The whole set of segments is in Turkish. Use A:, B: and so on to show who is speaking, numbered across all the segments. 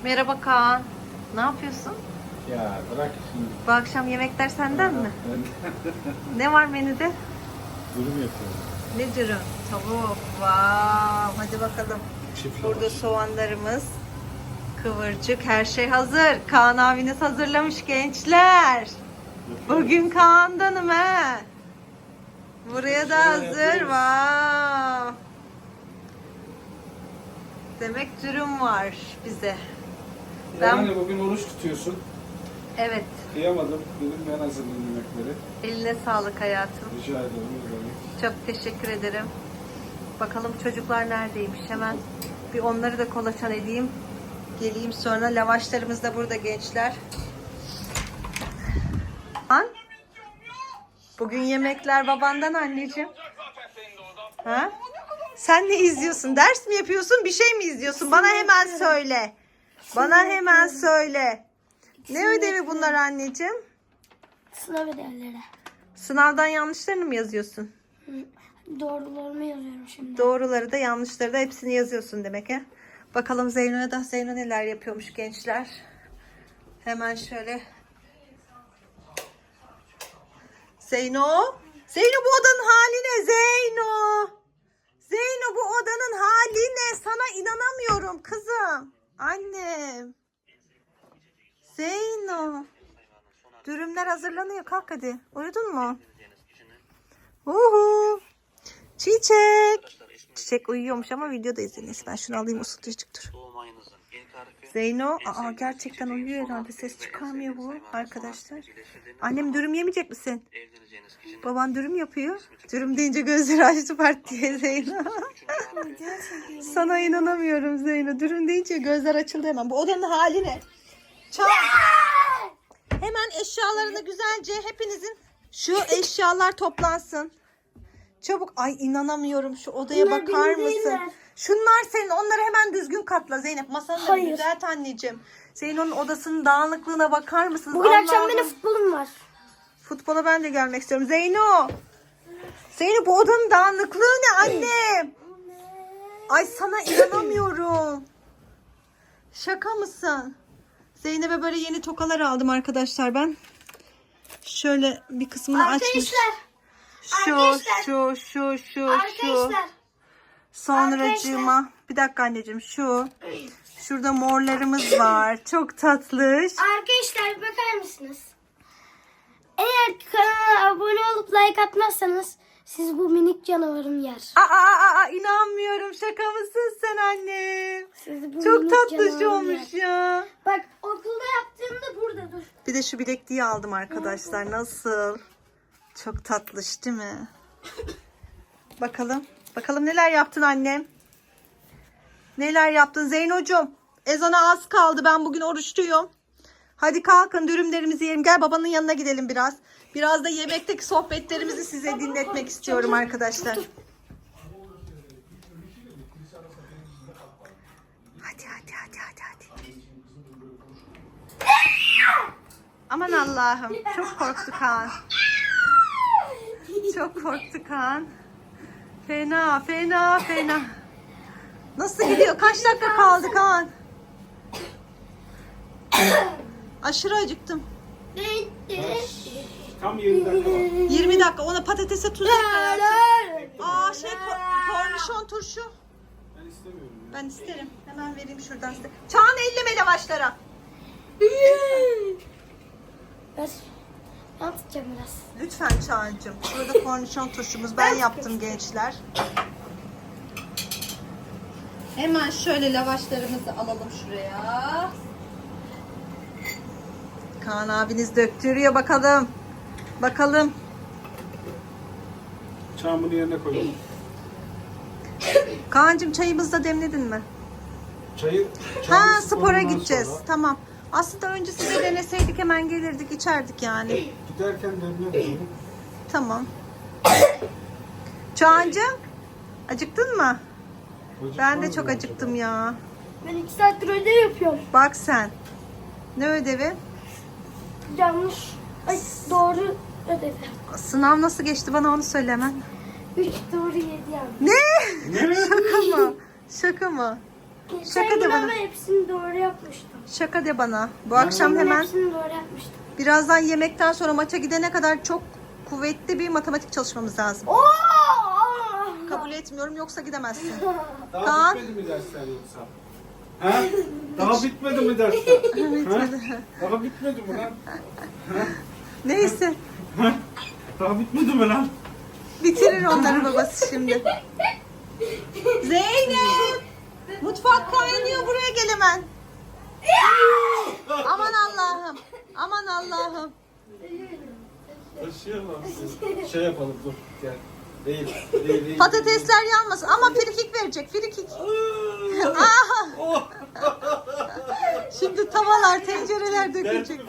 A: Merhaba Kaan. Ne yapıyorsun?
B: Ya bırak şimdi.
A: Bu akşam yemekler senden mi? Ne var menüde?
B: Dürüm yapıyorum.
A: Ne dürüm? Tavuk. Vav. Hadi bakalım.
B: Çift
A: Burada
B: lavaş.
A: soğanlarımız, kıvırcık, her şey hazır. Kaan abiniz hazırlamış gençler. Bugün Kaan'danım he. Buraya da hazır. Vav. Demek dürüm var bize.
B: Yani bugün oruç tutuyorsun.
A: Evet.
B: Kıyamadım. Dedim ben hazırlayayım yemekleri.
A: Eline sağlık hayatım.
B: Rica ederim. ne demek.
A: Çok teşekkür ederim. Bakalım çocuklar neredeymiş? Hemen bir onları da kolaçan edeyim. Geleyim sonra. Lavaşlarımız da burada gençler. Bugün yemekler babandan anneciğim. Ha? Sen ne izliyorsun? Ders mi yapıyorsun? Bir şey mi izliyorsun? Bana hemen söyle. Bana hemen söyle. Ne ödevi bunlar anneciğim?
C: Sınav ödevleri.
A: Sınavdan yanlışlarını mı yazıyorsun?
C: Doğrularımı yazıyorum şimdi.
A: Doğruları da yanlışları da hepsini yazıyorsun demek he. Bakalım Zeyno'ya da Zeyno neler yapıyormuş gençler. Hemen şöyle. Zeyno. Zeyno bu odanın hali ne Zeyno? Zeyno bu odanın hali ne? Sana inanamıyorum kızım. Annem. Zeyno. Dürümler hazırlanıyor. Kalk hadi. Uyudun mu? Uhu. Çiçek. Çiçek uyuyormuş ama videoda izlenir. Ben şunu alayım ısıtıcık dur. Zeyno. Aa gerçekten uyuyor herhalde. Ses çıkarmıyor bu arkadaşlar. Annem dürüm yemeyecek misin? Baban dürüm yapıyor. Dürüm deyince gözleri açtı part diye Zeyno. Sana inanamıyorum Zeyno. Dürüm deyince gözler açıldı hemen. Bu odanın hali ne? Çal. Hemen eşyalarını güzelce hepinizin şu eşyalar toplansın. Çabuk. Ay inanamıyorum. Şu odaya
C: Bunlar
A: bakar
C: benim
A: mısın?
C: değiller.
A: Şunlar senin. Onları hemen düzgün katla Zeynep. Masanı da
C: Hayır.
A: düzelt anneciğim. Zeyno'nun odasının dağınıklığına bakar mısınız?
C: Bugün akşam
A: Allah'ım.
C: benim futbolum var.
A: Futbola ben de gelmek istiyorum. Zeyno. Zeyno bu odanın dağınıklığı ne annem? Ay sana inanamıyorum. Şaka mısın? Zeynep'e böyle yeni tokalar aldım arkadaşlar ben. Şöyle bir kısmını açmış. Şu.
C: Arkadaşlar.
A: Sonracığıma. Bir dakika anneciğim şu. Şurada morlarımız var. Çok tatlış.
C: Arkadaşlar bakar mısınız? Eğer kanala abone olup like atmazsanız siz bu minik canavarım yer.
A: Aa, inanmıyorum. Şaka mısın sen annem?
C: Siz bu
A: Çok
C: minik
A: tatlış
C: canavarım
A: olmuş
C: yer.
A: ya.
C: Bak okulda yaptığımda burada dur.
A: Bir de şu bilekliği aldım arkadaşlar. Nasıl? Çok tatlış değil mi? Bakalım. Bakalım neler yaptın annem? Neler yaptın Zeynocuğum? Ezana az kaldı. Ben bugün oruçluyum. Hadi kalkın dürümlerimizi yiyelim. Gel babanın yanına gidelim biraz. Biraz da yemekteki sohbetlerimizi size dinletmek istiyorum arkadaşlar. Hadi. Aman Allah'ım. Çok korktu Kaan. Çok korktu Kaan. Fena. Nasıl gidiyor? Kaç dakika kaldı Kaan? Aşırı acıktım.
B: Tam 20 dakika var.
A: 20 dakika. Ona patatese tuz ek hayatım. Aa kornişon turşu.
B: Ben istemiyorum.
A: Ben isterim. Hemen vereyim şuradan size. Çağan elleme lavaşlara.
C: Ben tutacağım biraz.
A: Lütfen Çağancığım. Şurada kornişon turşumuz. Ben yaptım gençler. Hemen şöyle lavaşlarımızı alalım şuraya. Kaan abiniz döktürüyor bakalım. Bakalım.
B: Çamını yerine koyalım.
A: Kaan'cığım çayımızı da demledin mi?
B: Çayı
A: Ha spora gideceğiz. Tamam. Aslında önce size deneseydik hemen gelirdik içerdik yani.
B: Giderken demle.
A: Tamam. Çağancığım acıktın mı? Ben de çok acıktım ya.
C: Ben 2 saattir ödev yapıyorum.
A: Bak sen. Ne ödevi?
C: Yanlış. Ay doğru ödevi.
A: Sınav nasıl geçti bana onu söyle hemen.
C: 3 doğru 7 yanlış.
A: Ne? Şaka mı? Şaka mı? Şaka de bana.
C: Ama hepsini doğru yapmıştım.
A: Şaka de bana. Bu akşam hemen
C: Hepsini doğru yapmıştım.
A: birazdan yemekten sonra maça gidene kadar çok kuvvetli bir matematik çalışmamız lazım.
C: Oo!
A: Kabul etmiyorum yoksa gidemezsin.
B: Daha
A: Kaan.
B: bitmedi mi dersler yoksa? Ha? Daha bitmedi mi dersler? Bitmedi. Daha bitmedi mi lan?
A: Neyse.
B: Daha bitmedi mi lan?
A: Bitirir onları babası şimdi. Zeynep! Mutfak kaynıyor, buraya gel hemen. Aman Allah'ım. Aman Allah'ım.
B: Taşıyamam. Şey yapalım dur gel. Değil.
A: Patatesler yanmasın ama frikik verecek, frikik. Aha! Şimdi tavalar, tencereler dökülecek.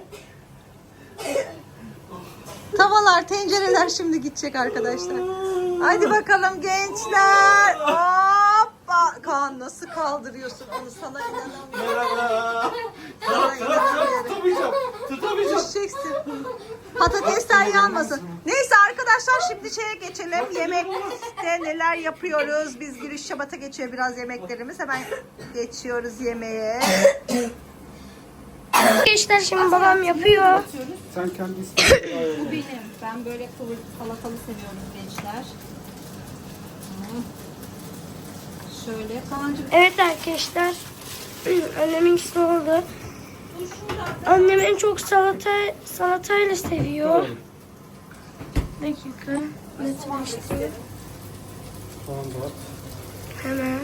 A: Tavalar, tencereler şimdi gidecek arkadaşlar. Haydi bakalım gençler. Hoppa! Kaan nasıl kaldırıyorsun onu, sana inanamıyorum.
B: Merhaba.
A: Sana inanamıyorum.
B: Tutamayacağım.
A: Düşeceksin. Patatesler yanmasın. Neyse arkadaşlar şimdi şeye geçelim. Yemekte neler yapıyoruz? Biz giriş şabata geçiyor biraz yemeklerimiz. Hemen geçiyoruz yemeğe.
C: Arkadaşlar şimdi babam yapıyor.
B: Sen kendi istediğin.
D: Bu benim. Ben böyle salatalı seviyorum gençler. Şöyle Kaan'cığım.
C: Evet arkadaşlar. Annemin ikisi oldu. Annem en çok salatayla seviyor. Dakika. Netleştireyim.
B: Soğan da at.
C: Hemen.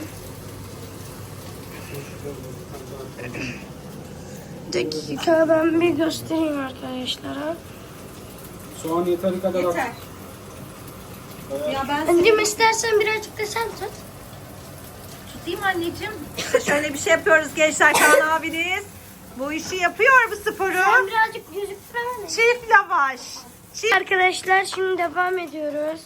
C: Dakika ben bir göstereyim arkadaşlara.
B: Soğan yeteri kadar at.
A: Yeter.
D: Ya ben
C: Anneciğim istersen birazcık da sen tut.
A: Tutayım anneciğim. İşte şöyle bir şey yapıyoruz gençler. Kaan abiniz bu işi yapıyor, bu sporu.
C: Sen birazcık gözüksene.
A: Çift lavaş.
C: Arkadaşlar şimdi devam ediyoruz.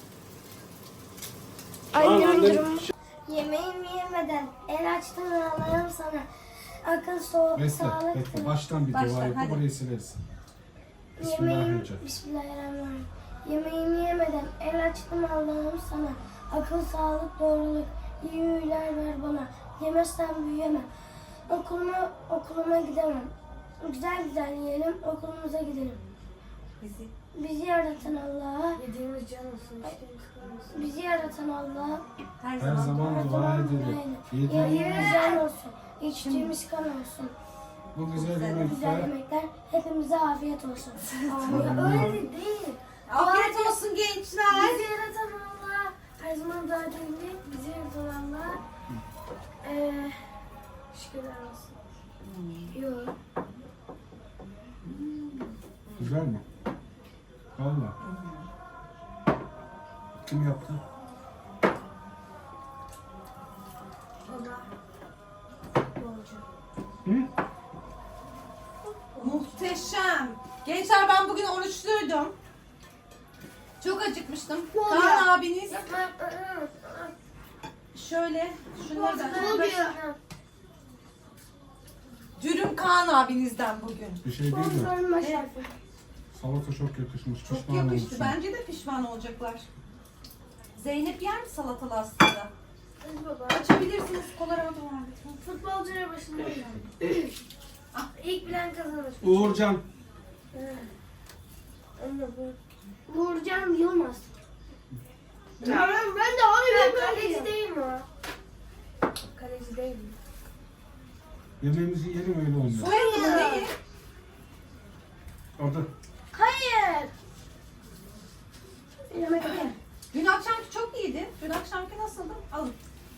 B: Tamam,
C: Annemin
B: annem-
C: durumu. Yemeğimi yemeden el açtım Allah'ım sana. Akıl, sağlık,
B: Bekle. Baştan bir dua yapıp
D: hadi.
B: orayı silersin.
C: Yemeğim,
B: Bismillahirrahmanirrahim.
C: Bismillahirrahmanirrahim. Yemeğimi yemeden el açtım Allah'ım sana. Akıl, sağlık, doğruluk, iyi huylar ver bana. Yemezsem büyüyemem. Okuluma gidemem. Güzel güzel yiyelim, okulumuza gidelim. Bizi yaratan Allah'a, yediğimiz can olsun, bizi yaratan Allah'a
B: Her zaman dua edelim.
C: yediğimiz
B: Yediğimiz
C: can olsun, içtiğimiz kan olsun.
B: bu güzel
C: Güzel
B: yemekler.
C: yemekler hepimize afiyet olsun. Öyle değil.
A: Afiyet olsun gençler.
C: Bizi yaratan Allah, her zaman dua edelim. Bizi yaratan Allah, şükürler olsun. Yok.
B: Güzel mi? Valla. Kim yaptı? Hı?
D: muhteşem. Gençler ben bugün oruçluydum. Çok acıkmıştım.
C: oluyor?
D: Kaan abiniz şöyle şunları da. Dürüm Kaan abinizden bugün.
B: Bir şey değil mi?
C: Sorma şarkı.
B: Salata çok yakışmış.
D: Çok
B: Pişman
D: yakıştı.
B: olmuşsun.
D: Bence de pişman olacaklar. Zeynep yer mi salatalı aslında? Açabilirsiniz. Kolarama da var.
C: Futbolcuya başında İlk bilen kazanır.
B: Uğurcan.
C: Uğurcan Yılmaz. Tamam ben de onu bilmiyorum. Kaleci değil mi o? Kaleci değil mi?
B: Yemeğimizi yiyelim öyle oynuyor.
D: Soyadı ne?
B: Orada.
C: Hayır. Yemek hayır.
D: Dün akşamki çok iyiydi. Dün akşamki nasıldı? Alın.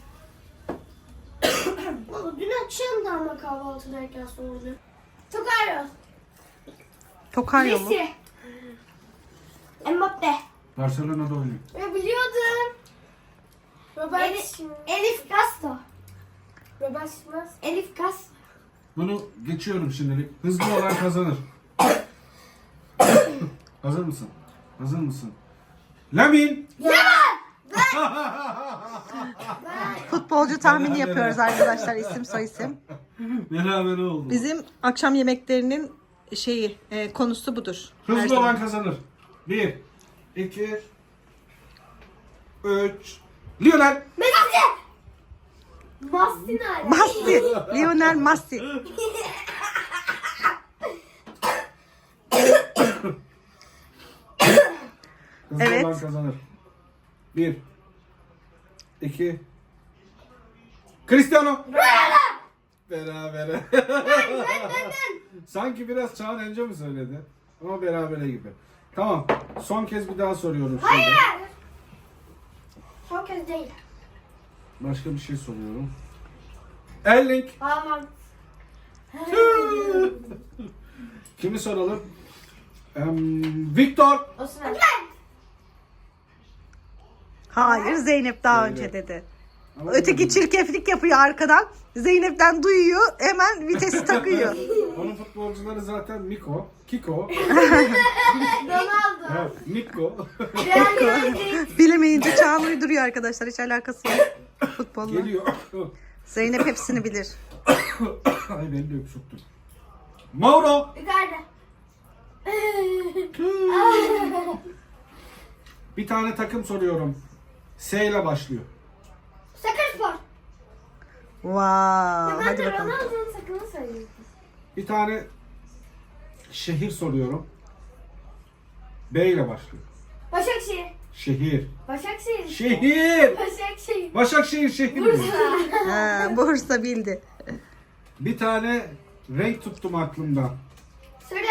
C: Dün akşam da ama kahvaltıdayken sordu. Tokaryo.
A: Tokaryo mu?
C: Messi. Mbappe.
B: Barcelona'da oynuyor.
C: Biliyordum. Elif Castro. Elif Castro.
B: Bunu geçiyorum şimdilik. Hızlı olan kazanır. Hazır mısın? Hazır mısın? Lamin!
A: Futbolcu tahmini yapıyoruz arkadaşlar, isim soy isim.
B: Beraber oldu.
A: Bizim akşam yemeklerinin konusu budur. Her
B: Hızlı
A: zaman.
B: olan kazanır. 1, 2, 3. Lionel!
C: Messi. Basti nerede?
A: Messi. Lionel Messi.
B: Hızlı
A: Evet.
B: olan kazanır. 1 2 Cristiano. Berabere. Sanki biraz Çağan önce mi söyledi? Ama berabere gibi. Tamam. Son kez bir daha soruyorum. Hayır.
C: Son kez değil.
B: Başka bir şey soruyorum. Erling.
C: Aman.
B: Kimi soralım? Victor.
C: Osman.
A: Hayır, Zeynep daha
B: Zeynep.
A: önce dedi.
B: Ama
A: Öteki çirkeflik yapıyor arkadan. Zeynep'ten duyuyor. Hemen vitesi takıyor.
B: Onun futbolcuları zaten Miko, Kiko,
C: Ronaldo.
B: evet, Miko.
C: Real Madrid.
A: Bilemeyince Çağan uyduruyor arkadaşlar. Hiç alakası yok futbolla.
B: Geliyor.
A: Zeynep hepsini bilir.
B: Ay beni de öpüşüktüm. Mauro.
C: Yukarıda.
B: Bir tane takım soruyorum. S ile başlıyor.
C: Sakaryaspor.
A: Wow.
C: Ben
A: Hadi
C: de
A: bakalım.
C: Ronaldo'nun sakını sayıyorum.
B: Bir tane şehir soruyorum. B ile başlıyor.
C: Başakşehir.
B: Şehir.
C: Başakşehir.
B: Şehir.
C: Başakşehir.
B: Başakşehir şehir mi?
A: Ha, Bursa bildi.
B: Bir tane renk tuttum aklımdan.
C: Söyle.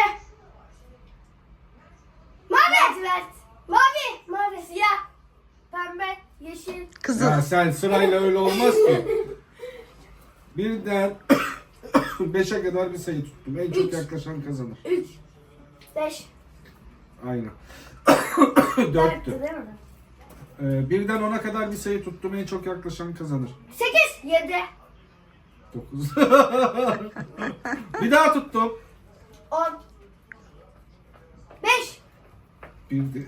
C: Mavi. Lacivert. Mavi. Mavi. Siyah. Pembe. Yeşil.
A: Kızıl.
B: Ya sen sırayla öyle olmaz ki. Birden 5'e kadar bir sayı tuttum. En çok
C: Üç.
B: yaklaşan kazanır.
C: 3. 5.
B: Aynen.
C: Dörttü
B: 4'tü.
C: değil mi?
B: Birden 10'a kadar bir sayı tuttum. En çok yaklaşan kazanır.
C: 8. 7.
B: 9. Bir daha tuttum.
C: 10. 5.
B: Bildi.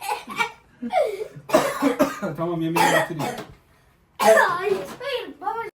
B: Tamam yemeği bitireyim.
C: Hayır. Hayır. Babacığım.